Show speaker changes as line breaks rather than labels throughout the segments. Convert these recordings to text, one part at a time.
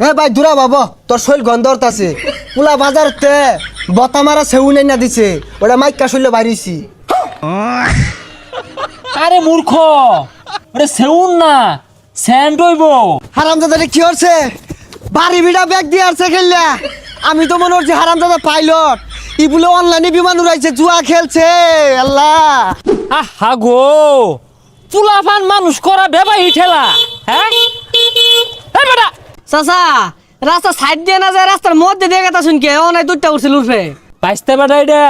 এ ভাই দূরা বাবা তোর শৈল গন্ধরত আছে পুলা বাজারতে বতা মারা সেউ নাই না দিছে ওটা মাইকা শৈল বাড়িছি।
আরে মূর্খ, ওরে সেউন না স্যান্ড হইব।
হারামজাদা কি হচ্ছে বাড়ি বিড়া ব্যাগ দিয়ে আসছে খেললা। আমি তো মনে হচ্ছে হারামজাদা পাইলট ই বলে অনলাইনে বিমান উড়াইছে জুয়া খেলছে। আল্লাহ
আহা গো, চুলাফান মানুষ করা বেবাই ঠেলা। হ্যাঁ বেটা
চাচা রাস্তা সাইড দিয়ে না যায় রাস্তার মধ্যে দিয়ে গেতা শুনকে ও নাই দুধটা উঠছিল উঠবে
বাইসতে বেটা এটা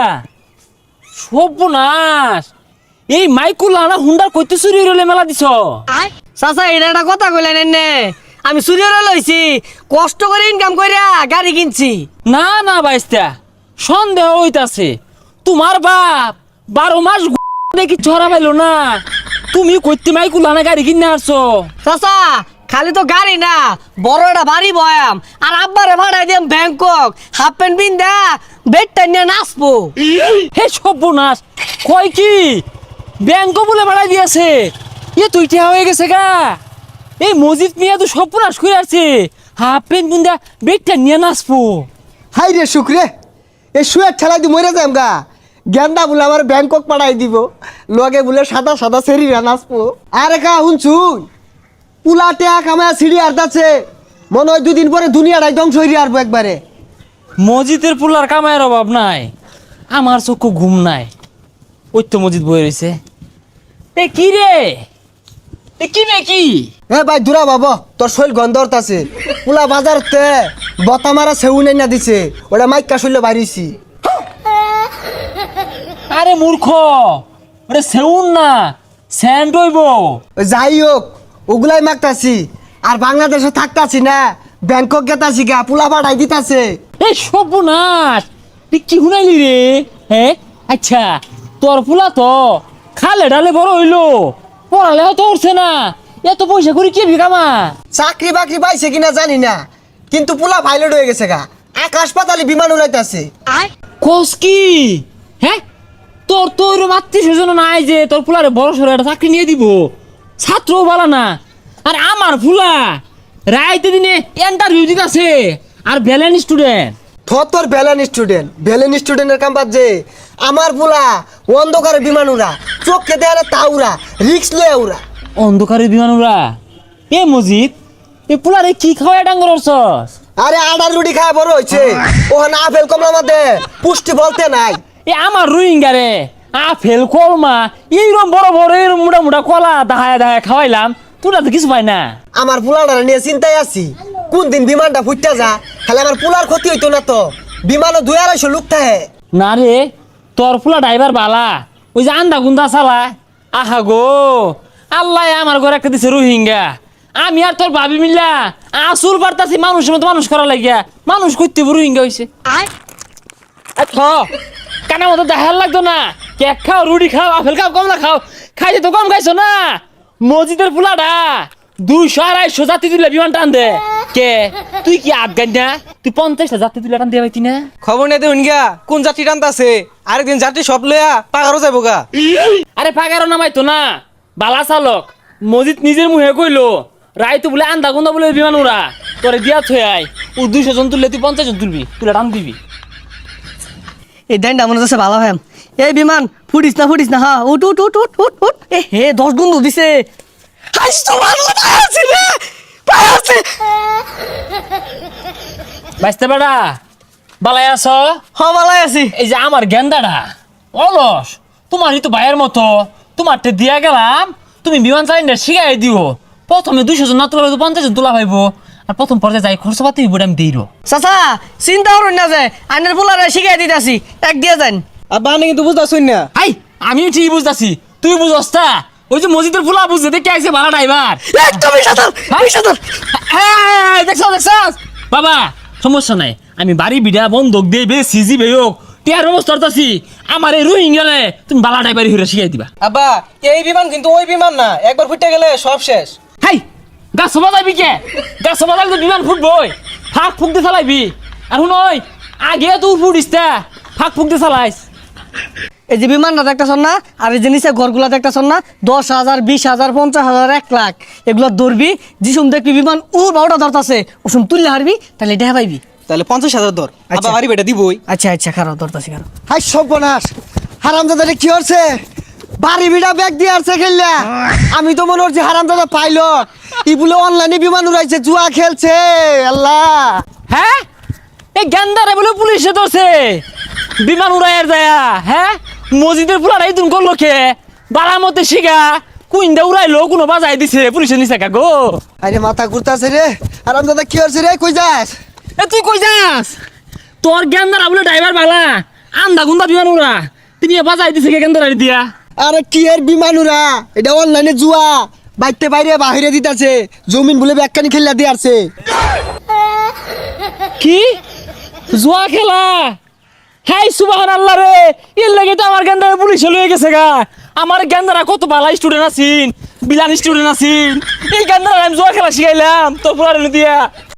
সর্বনাশ। এই মাইকুলা না হুন্ডার কইতে চুরি হইলে মেলা দিছ।
চাচা এটা একটা কথা কইলেন এনে আমি চুরিরে লইছি কষ্ট করে ইনকাম কইরা গাড়ি কিনছি।
না না বাইস্তা, সন্দেহ হইতাছে তোমার বাপ 12 মাস দেখি ছড়া পাইলো না, তুমি কইতে মাইকুলা না গাড়ি কিনে আসছো।
চাচা খালি তো গাড়ি না বড় একটা বাড়ি বয়াম আর আব্বারে ভাড়াই দিম ব্যাংকক হাফ প্যান্ট পিন্দা বেডটা নিয়ে নাচবো।
হে সর্বনাশ, কয় কি ব্যাংক বলে বাড়াই দিয়েছে? এ তুই ঠেয়া হয়ে গেছে গা। এই মজিদ মিয়া তো সর্বনাশ করে আছে, হাফ প্যান্ট বুন্দা বেগটা নিয়ে নাচবো।
হাই রে শুক্রে এ শুয়ে ঠেলাই দি মরে যাম গা। গেন্দা বলে আমার ব্যাংকক পাঠাই দিব লগে বলে সাদা সাদা সেরিরা নাচবো। আরে কা শুনছুন পুলা টেয়া কামায় সিঁড়ি আর্দাচ্ছে মনে হয় 2 দিন পরে দুনিয়াটাই ধ্বংস হয়ে আসবো একবারে।
মসজিদের পুলার কামায়ের অভাব নাই, আমার চক্ষু ঘুম নাই। ওই তো মসজিদ বয়ে রয়েছে। এ কি রে, এ কি রে কি?
এ ভাই দূরা বাবা তোর শৈল গন্ধরত আছে পুলা বাজারতে বতা মারা সেউ নাই না দিছে ওটা মাইকা শৈল বাড়িছি।
আরে মূর্খ, ওরে সেউন না স্যান্ড হইব।
যাই হোক ওগুলাই মাগতাছি আর বাংলাদেশে থাকতাছি না ব্যাংকক গেতাছি গা পুলা পাঠাই দিতাছে।
এই সর্বনাশ, তুই কি শুনাইলি রে? হ্যাঁ আচ্ছা, তোর ফুলা তো খালে ডালে বড় হইলো, পড়ালেও তো উঠছে না, এত পয়সা করে কি বিকামা?
চাকরি বাকরি পাইছে কিনা জানি না কিন্তু পুলা পাইলট হয়ে গেছে গা, আকাশ পাতালে বিমান উড়াইতাছে।
কোস কি? হ্যাঁ তোর তো ওইরকম আত্মীয় স্বজন নাই যে তোর ফুলারে বড় সড়ো একটা চাকরি নিয়ে দিব, ছাত্রও বলা না। আর আমার ফুলা রাইতে দিনে ইন্টারভিউ দিতেছে আর ব্যালেন্স স্টুডেন্ট।
তোর ভ্যালেন স্টুডেন্টের কাম বাদ যে আমার পুলা অন্ধকারে বিমান উড়া চোখকে দেয়ালে তা উড়া রিক্স লয়ে উড়া।
অন্ধকারে বিমান উড়া? এ মজিদ, এ পুলারে কি খাওয়া ডাঙ্গর অর্চস?
আরে আডার রুটি খায় বড় হয়েছে ওখানে আপেল কমলা মধ্যে পুষ্টি বলতে নাই।
এ আমার রোহিঙ্গা রে আপেল কলমা এইরকম বড় বড় এরকম মোটা মোটা কলা দাহায় দাহায় খাওয়াইলাম, তোরা তো কিছু পাই না।
আমার পুলাটা নিয়ে চিন্তায় আছি কোন দিন বিমানটা ফুটতে যা, খালি আমার পুলার ক্ষতি হইতো না তো। বিমানও 2-250 লোক থাকে।
না রে, তোর ফুলা ড্রাইভার বালা, ওই যে আন্দা গুন্দা চালা। আহা গো, আল্লাহ আমার ঘরে একটা দিছে রোহিঙ্গা, আমি আর তোর ভাবি মিল্লা আসুর বার্তাছি মানুষের মতো মানুষ করা লাগিয়া মানুষ করতে রোহিঙ্গা হয়েছে। কানা মতো দেখার লাগতো না, কেক খাও রুটি খাও আপেল খাও কমলা খাও, খাইতে তো কম খাইছো না। মসজিদের ফুলাটা 200-250 যাত্রী তুলে বিমান টান দে। কে তুই কি আফগান না? তুই 50টা যাত্রী তুলে টান দিয়ে পাইতি না?
খবর নেই দেখুন গা কোন যাত্রী টানতাছে, আরেকদিন যাত্রী সব লইয়া পাগারও যাবো গা।
আরে পাগারও নামাইতো না, বালা চালক মসজিদ নিজের মুহে কইলো রায় তো বলে আন্দা গুন্দা বলে বিমান উড়া তোরে দিয়া থই আই, ও 200 জন তুললে তুই 50 জন তুলবি, তুলে টান দিবি।
এই দেন মনে হচ্ছে ভালো হ্যাম। এই বিমান ফুটিস না হ্যাঁ উঠ উঠ উঠ উঠ উঠ উঠ। এ হে 10 গুণ দিছে।
বাইসতে বেড়া বালাই আছ?
হ ভালাই আছি।
এই যে আমার গেন্দাটা অলস, তোমারই তো ভাইয়ের মতো, তোমারটা দিয়া গেলাম, তুমি বিমান চালিনা শিখাই দিও। প্রথমে 200 জন না তোলা 50 জন তোলা পাইবো, আর প্রথম পর্যায়ে যাই খরচ পাতি হইব আমি দিই।
চাচা চিন্তা করুন না যে আইনের পোলারে শিখাই দিতেছি এক দিয়ে যান।
আর বানে কিন্তু বুঝতেছুন না।
আই আমি ঠিক বুঝতাছি, তুই বুঝস তা? ওই যে মসজিদের ফুলা বুঝতে দেখে আইছে ভাড়া ড্রাইভার।
একদমই সাঁতার সাঁতার।
দেখছ বাবা, সমস্যা নাই, আমি বাড়ি বিড়া বন্ধক দিয়ে বে সিজি বে হোক টিয়ার ব্যবস্থা করতেছি। আমার এই রোহিঙ্গালে তুমি বালা ড্রাইভারি হইরা শিখাই দিবা।
আব্বা এই বিমান কিন্তু ওই বিমান না, একবার ফুটে গেলে সব শেষ।
হাই গাছ বাজাইবি কে? গাছ বাজাইলে তো বিমান ফুটবই, ফাঁক ফুক দিয়ে চালাইবি। আর শুন ওই আগে তুই ফুটিস তা ফাঁক ফুক দিয়ে চালাইস।
এই যে বিমানটা দেখতেছন না, আর এই যে নিচে ঘরগুলা দেখতেছন না, 10,000, 20,000, 50,000, 1 লাখ এগুলো ধরবি। যিসুম দেখবি বিমান বারোটা ধরতাছে, ওসুম তুললে হারবি, তাহলে দেখা পাইবি।
তাহলে 50,000 ধর,
আচ্ছা।
আবার বাড়ি বেটা দিবই।
আচ্ছা আচ্ছা, খারাপ ধরতাছি খারাপ।
হাই সর্বনাশ, হারামজাদারে কি হচ্ছে? বাড়ি বিড়া ব্যাগ দিয়ে আসছে খেললা। আমি তো মনে হচ্ছে হারামজাদা পাইলট, ই বলে অনলাইনে বিমান উড়াইছে, জুয়া খেলছে। আল্লাহ,
হ্যাঁ এই গেন্দারে বলে পুলিশে ধরছে বিমান উড়াইয়ার যায়া। হ্যাঁ মসজিদের পুলারাই তুমি করলো কে বাড়ার মধ্যে শিখা কুইন্দা উড়াইলো, কোনো বাজাই দিছে পুলিশে নিছে কা গো।
আরে মাথা ঘুরতাছে রে। হারামজাদা কি হচ্ছে রে? কই যাস?
এ তুই কই যাস? তোর গেন্দারা বলে ড্রাইভার বালা আন্দা গুন্দা বিমান উড়া, তুমি বাজাই দিছে কে গেন্দারা দিয়া?
আরে কি এর বিমান উড়া? এটা অনলাইনে জুয়া, বাইতে বাইরে বাহিরে দিতাছে, জমিন বলে ব্যাগখানি খেললা দিয়ে আসছে।
কি জুয়া খেলা? হাই সুবহানাল্লাহ রে, এর লাগে তো আমার গেন্দারা পুলিশে লয়ে গেছে গা। আমার গেন্দারা কত ভালো স্টুডেন্ট আছিন, বিলান স্টুডেন্ট আছিন, এই গেন্দারা আমি জুয়া খেলা শিখাইলাম তোর পুরানো দিয়া।